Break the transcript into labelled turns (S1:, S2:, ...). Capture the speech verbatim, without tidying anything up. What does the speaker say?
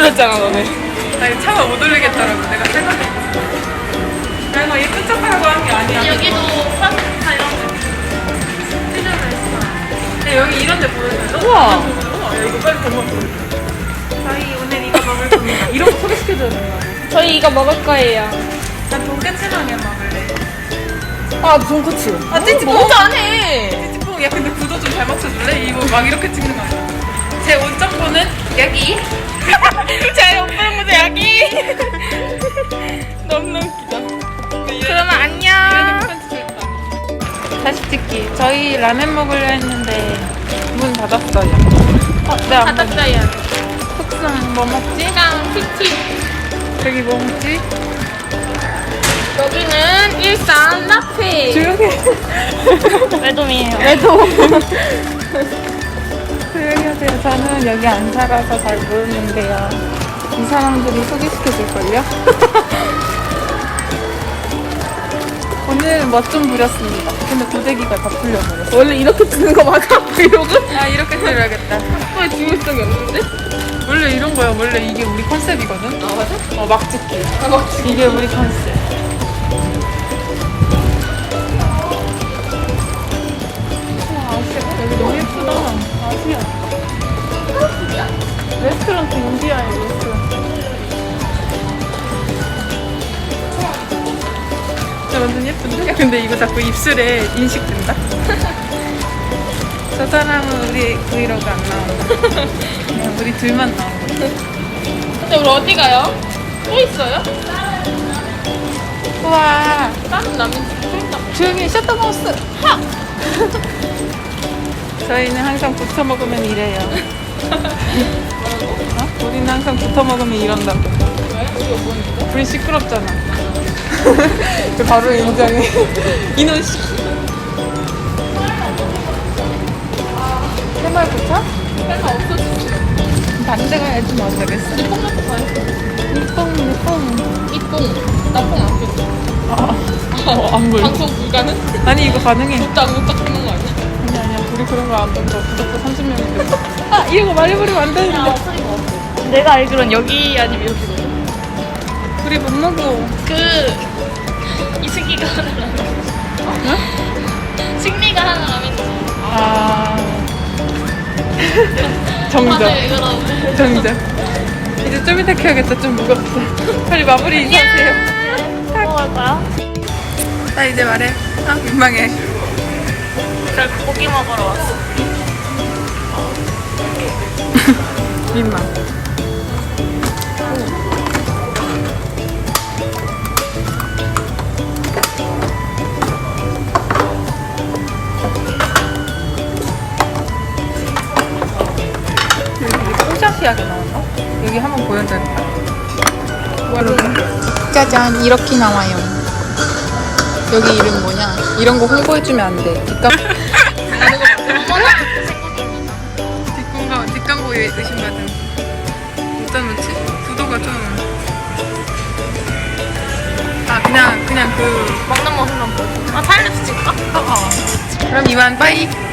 S1: 올렸잖아 너네.
S2: 나 이거 차마 못 올리겠더라고. 내가 생각해. 내가 예쁜 척하라고 한 게 아니야.
S3: 여기도 파스타 이런 거 해주면 했어.
S2: 근데 여기 이런 데 보여줘요.
S1: 우와.
S2: 우와, 야, 이거 빨리 보면 저희 오늘 이거 먹을 겁니다. 이런 거 소개시켜줘야 된다고.
S1: 저희 이거 먹을 거예요.
S2: 난 돈까스라면 먹을래.
S1: 아 돈코츠.
S2: 아, 찌찌뽕.
S1: 먼저 안 해.
S2: 찌찌뽕. 야, 근데 구도 좀 잘 맞춰줄래? 이거 막 이렇게 찍는 거 아니야? 제 온정보는 여기.
S1: 제 오빠 모자 여기. 너무 웃기다. 그러면 안녕.
S2: 다시 찍기. 저희 라면 먹으려 했는데 문 닫았어요. 어, 네, 안 먹-
S3: 바닥자야.
S2: 속상 뭐 먹지?
S3: 랑 피티.
S2: 저기 뭐 먹지?
S3: 여기는 일산 라페.
S2: 조용히
S3: 매dom이에요.
S2: 해도 조용히 하세요. 저는 여기 안 살아서 잘 모르는데요. 이 사람들이 소개시켜줄걸요? 오늘 멋 좀 부렸습니다. 근데 고데기가 다 풀려버렸어.
S1: 원래 이렇게 찍는 거 맞아? 브이로그?
S2: 아, 이렇게 들어야겠다.
S1: 왜 중요성이 없는데?
S2: 원래 이런 거야. 원래 이게 우리 컨셉이거든?
S1: 아 맞아?
S2: 어, 막 찍기.
S1: 아 막.
S2: 이게 우리 컨셉. 우와, 아시아. 여기 너무 예쁘다. 아시아. 레스토랑 인디아에 레스토랑. 진짜 완전 예쁜데? 야, 근데 이거 자꾸 입술에 인식된다? 저 사람은 우리 브이로그 안 나온다. 그냥 우리 둘만 나온다.
S3: 근데 우리 어디 가요? 또 있어요?
S2: 우와.
S3: 다른 라면 또 있나?
S2: 조용히 셔터마우스. 하! 저희는 항상 붙어 먹으면 이래요. 어? 우리는 항상 붙어 먹으면 이런다고.
S3: 왜? 이거 뭐인데?
S2: 우리 시끄럽잖아. 바로 인정해. 이놈 씨. 해말 부차?
S3: 설마 없어졌어.
S2: 반대 가야지 뭐 어쩌겠어.
S3: 근데 뽕나도 가요.
S2: 이뽕 이뽕.
S3: 이뽕. 나뽕 안 껴줘.
S2: 어, 안 보여.
S3: 방송 불가능?
S2: 아니 이거 가능해.
S3: 못딱 못딱 찍는 거 아니야?
S2: 아니 아니야. 우리 그런 거 안 던져. 구독자 삼십 명인데. 아 이런 거 말해버리면 안 되는데.
S3: 소리가 없어. 내가 알기론 여기 아니면 여기거든.
S2: 우리 못 먹어.
S3: 그 이승기가 하는 라면.
S2: 어?
S3: 승리가 하는 라면.
S2: 아. 정적.
S3: 다들 이거라고.
S2: 정적. 이제 좀 이따 켜야겠다. 좀 무겁다. 빨리 마무리 인사하세요.
S3: 뭐 할까요?
S2: 나 이제 말해. 아, 민망해.
S3: 저 고기 먹으러 왔어.
S2: 민망. 여기 뽀샤시하게 나왔나? 여기 한번 보여드릴까? 여러분, 짜잔, 이렇게 나와요. 여기 이름 뭐냐? 이런 거 홍보해주면 안 돼. 뒷광... 뒷광고, 뒷광고에 의심받은. 어디다 놓지? 구도가 좀. 아, 그냥, 그냥 그.
S3: 먹는 모습만 보여. 아, 타임랩스 찍을까?
S2: 어, 어. 그럼 이만 빠이.